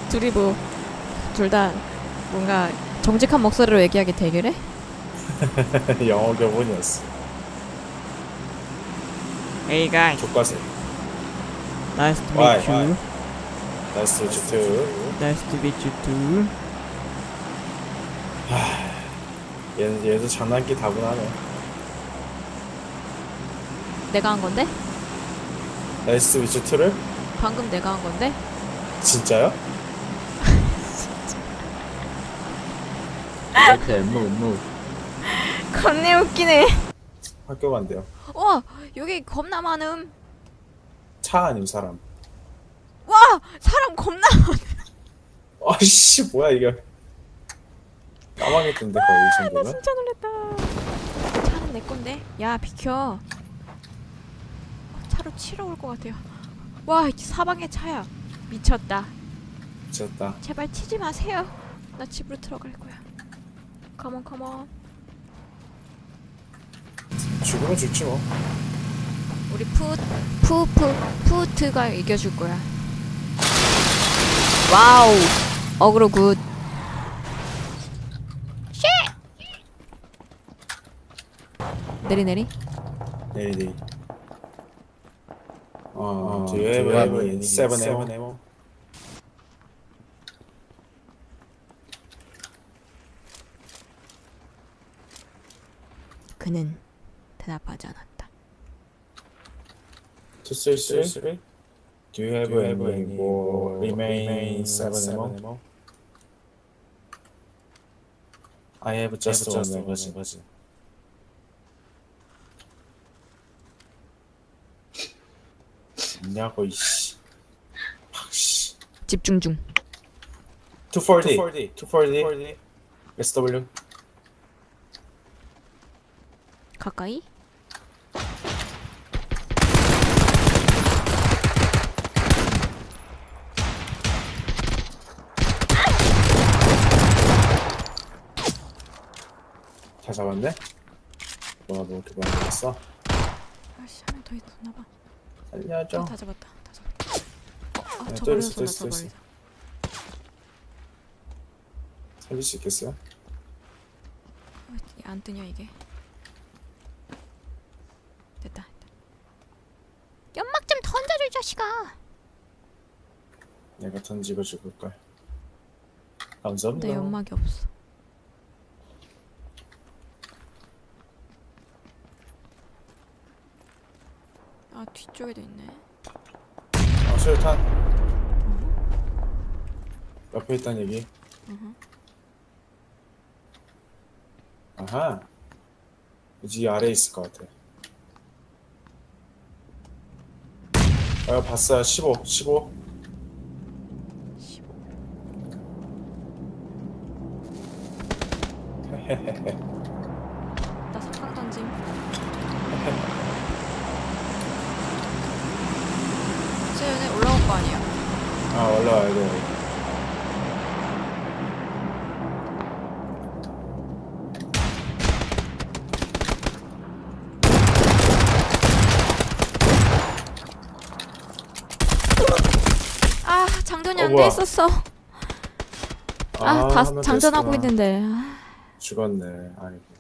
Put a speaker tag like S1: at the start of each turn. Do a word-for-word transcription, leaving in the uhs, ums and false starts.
S1: 둘이 뭐 둘 다 뭔가 정직한 목소리로 얘기하게 대결해?
S2: 영어 교본이었어.
S1: Hey guys,
S2: 교과세.
S1: nice to
S2: Why?
S1: meet you.
S2: 나이스 주트.
S1: Nice to meet you too.
S2: 얘는 얘도 장난기 다분하네.
S1: 내가 한 건데?
S2: 나이스 주트를?
S1: 방금 내가 한 건데?
S2: 진짜요? 오케이, move, move.
S1: 겁내 웃기네.
S2: 학교 간대요.
S1: 와, 여기 겁나 많음.
S2: 차 아님 사람.
S1: 와, 사람 겁나 많음.
S2: 아이씨 뭐야 이게. 까마귀던데 거의 이
S1: 나
S2: 정도면?
S1: 진짜 놀랬다. 차는 내 건데. 야, 비켜. 차로 치러 올 것 같아요. 와, 사방에 차야. 미쳤다.
S2: 미쳤다.
S1: 제발 치지 마세요. 나 집으로 들어갈 거야. 컴온 컴온.
S2: 죽으면 죽지 뭐.
S1: 우리 푸 푸푸 푸트가 이겨줄 거야. 와우. 어그로 굿. 쉣. 내리 내리.
S2: 내리 내리. 어, do you have any seven ammo?
S1: 그는 대답하지 않았다.
S2: two three three? Do you have any more remaining seven ammo? I have just one magazine. 뭐냐고 이씨. 팍씨.
S1: 집중 중.
S2: two forty. two forty. 에스 더블유.
S1: 가까이.
S2: 다 잡았네? 뭐야 너 이렇게 많이 잡았어?
S1: 아씨, 한 명 더 있었나봐.
S2: 살려줘.
S1: 어, 다 잡았다. 다 잡았다. 어, 아,
S2: 네,
S1: 저
S2: 또
S1: 멀리서
S2: 있어, 또
S1: 쏜다.
S2: 있어,
S1: 저
S2: 또 있어.
S1: 멀리서.
S2: 살릴 수 있겠어요?
S1: 왜 안 뜨냐 이게? 됐다. 연막 좀 던져줘 이 자식아.
S2: 내가 던지고 죽을걸. 감사합니다.
S1: 내 연막이 없어. 아, 뒤쪽에도 있네.
S2: 아 수류탄. 옆에 있단 얘기.
S1: 어허.
S2: 아하. 이 아래에 있을 것 같아. 아 봤어요. 십오. 십오.
S1: 십오. 나 석강 던짐. 쟤네 올라올 거 아니야?
S2: 아 올라와야 돼.
S1: 아, 장전이
S2: 어,
S1: 안 돼
S2: 뭐야.
S1: 있었어. 아, 다
S2: 하면
S1: 장전하고
S2: 됐구나.
S1: 있는데. 아,
S2: 죽었네. 아이고.